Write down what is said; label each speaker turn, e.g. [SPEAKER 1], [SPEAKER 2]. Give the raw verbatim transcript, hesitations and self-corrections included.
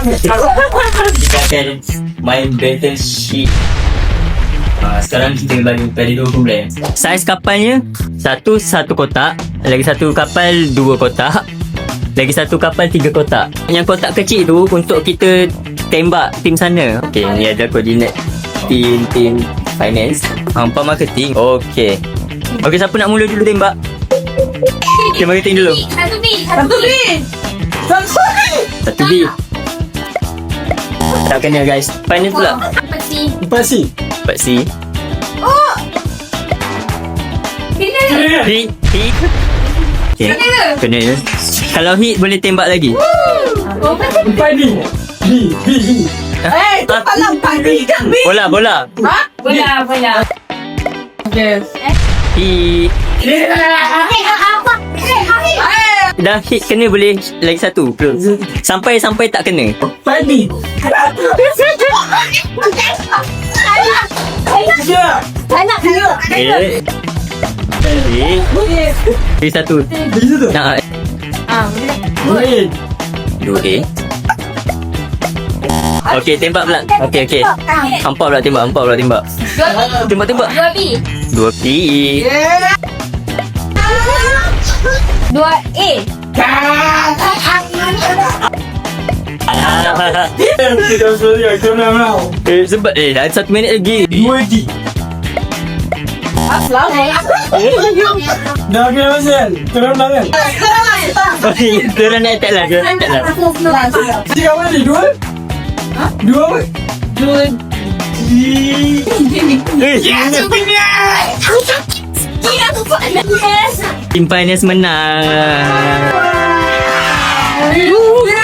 [SPEAKER 1] Kita akan main battleship. Uh, sekarang kita bagi pada dua problem. Saiz kapalnya satu satu kotak, lagi satu kapal dua kotak, lagi satu kapal tiga kotak. Yang kotak kecil tu untuk kita tembak tim sana. Okey, ni ada koordinat tim tim finance, hampa marketing. Okey. Okey, siapa nak mula dulu tembak? Tim marketing dulu.
[SPEAKER 2] Satu B. Satu B.
[SPEAKER 1] Satu B. Tak kena guys. Finance pula.
[SPEAKER 2] Empat C.
[SPEAKER 3] Empat C.
[SPEAKER 1] Empat C.
[SPEAKER 2] Oh. Kena.
[SPEAKER 1] Hit. Hit. Okay.
[SPEAKER 2] Kena.
[SPEAKER 1] Kena ya. Kalau hit boleh tembak lagi.
[SPEAKER 2] Oh,
[SPEAKER 3] Empat D. B. B. B.
[SPEAKER 2] eh, tu kalau empat B kan B.
[SPEAKER 1] Bola, bola.
[SPEAKER 2] Ha? Bola, bola. Yes.
[SPEAKER 1] Hit.
[SPEAKER 2] Eh, apa? Eh, eh.
[SPEAKER 1] Dah hit kena boleh lagi satu. Sampai sampai tak kena.
[SPEAKER 3] Empat D. Ya.
[SPEAKER 2] Tak nak kena.
[SPEAKER 1] Okay. Hit. Hit satu.
[SPEAKER 3] Di situ.
[SPEAKER 1] Nak
[SPEAKER 2] Ah,
[SPEAKER 3] Boleh.
[SPEAKER 1] dua A. Okey, tembak pula. Okey, okey. Hampa pula tembak, hampa pula tembak.
[SPEAKER 2] Dua B.
[SPEAKER 1] Tembak, tembak.
[SPEAKER 2] Dua B.
[SPEAKER 1] Dua P.
[SPEAKER 2] Dua A.
[SPEAKER 3] Tidak boleh. Kau nak mau.
[SPEAKER 1] Eh, sebab eh dah satu minit lagi.
[SPEAKER 3] Dua D.
[SPEAKER 2] Aslam.
[SPEAKER 3] Dah kena pasal. Terang tangan.
[SPEAKER 1] Okey, turun naik tak lah. Tak lah.
[SPEAKER 3] Tiga mana ni? Dua? Dua apa?
[SPEAKER 2] Dua.
[SPEAKER 1] Eh, Tim finance menang.